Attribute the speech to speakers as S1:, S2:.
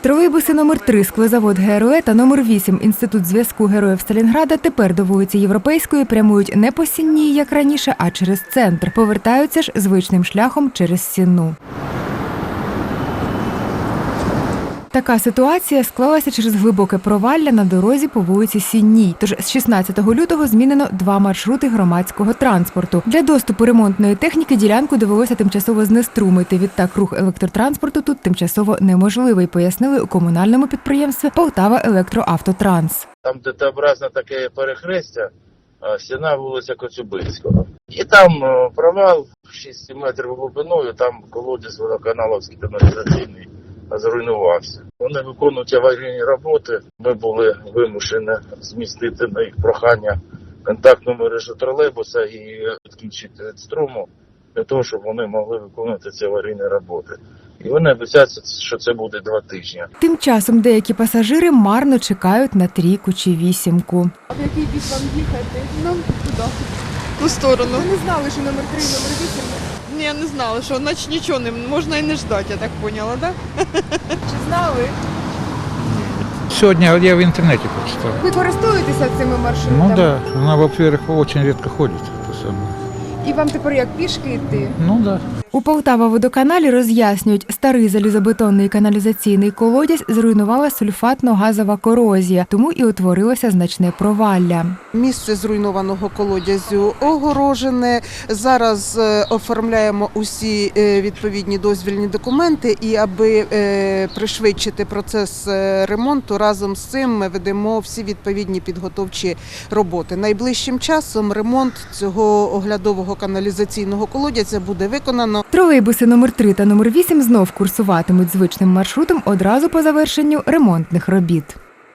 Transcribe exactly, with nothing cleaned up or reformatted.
S1: Тролейбуси номер три «Склозавод ГРО» та номер вісім «Інститут зв'язку героїв Сталінграда» тепер до вулиці Європейської прямують не по Сінній, як раніше, а через центр. Повертаються ж звичним шляхом через Сінну. Така ситуація склалася через глибоке провалля на дорозі по вулиці Сінній. Тож з шістнадцятого лютого змінено два маршрути громадського транспорту. Для доступу ремонтної техніки ділянку довелося тимчасово знеструмити. Відтак рух електротранспорту тут тимчасово неможливий, пояснили у комунальному підприємстві «Полтава-Електроавтотранс».
S2: Там Т-образне таке перехрестя, стіна вулиця Коцюбинського. І там провал шість метрів глибиною, там колодязь водоканаловський каналізаційний зруйнувався. Вони виконують аварійні роботи. Ми були вимушені змістити на їх прохання контактну мережу тролейбуса і відключити від струму, для того, щоб вони могли виконувати ці аварійні роботи. І вони обіцяють, що це буде два тижні.
S1: Тим часом деякі пасажири марно чекають на трійку чи вісімку.
S3: А в який бік вам їхати? Нам туди.
S4: В ту сторону.
S3: Ви не знали, що номер три, номер вісім?
S4: Ні, я не знала, що наче нічого не можна і не ждати, я так поняла, так? Да?
S3: Чи знали?
S5: Сегодня я в интернете прочитал.
S3: Ви користуєтеся цими маршрутами?
S5: Ну да, она, во-первых, очень редко ходит. Это самое.
S3: І вам тепер як пішки йти?
S5: Ну да.
S1: У Полтава-водоканалі роз'яснюють, старий залізобетонний каналізаційний колодязь зруйнувала сульфатно-газова корозія, тому і утворилося значне провалля.
S6: Місце зруйнованого колодязю огорожене. Зараз оформляємо усі відповідні дозвільні документи і аби пришвидшити процес ремонту, разом з цим ми ведемо всі відповідні підготовчі роботи. Найближчим часом ремонт цього оглядового каналізаційного колодязя буде виконано.
S1: Тролейбуси номер три та номер вісім знов курсуватимуть звичним маршрутом одразу по завершенню ремонтних робіт.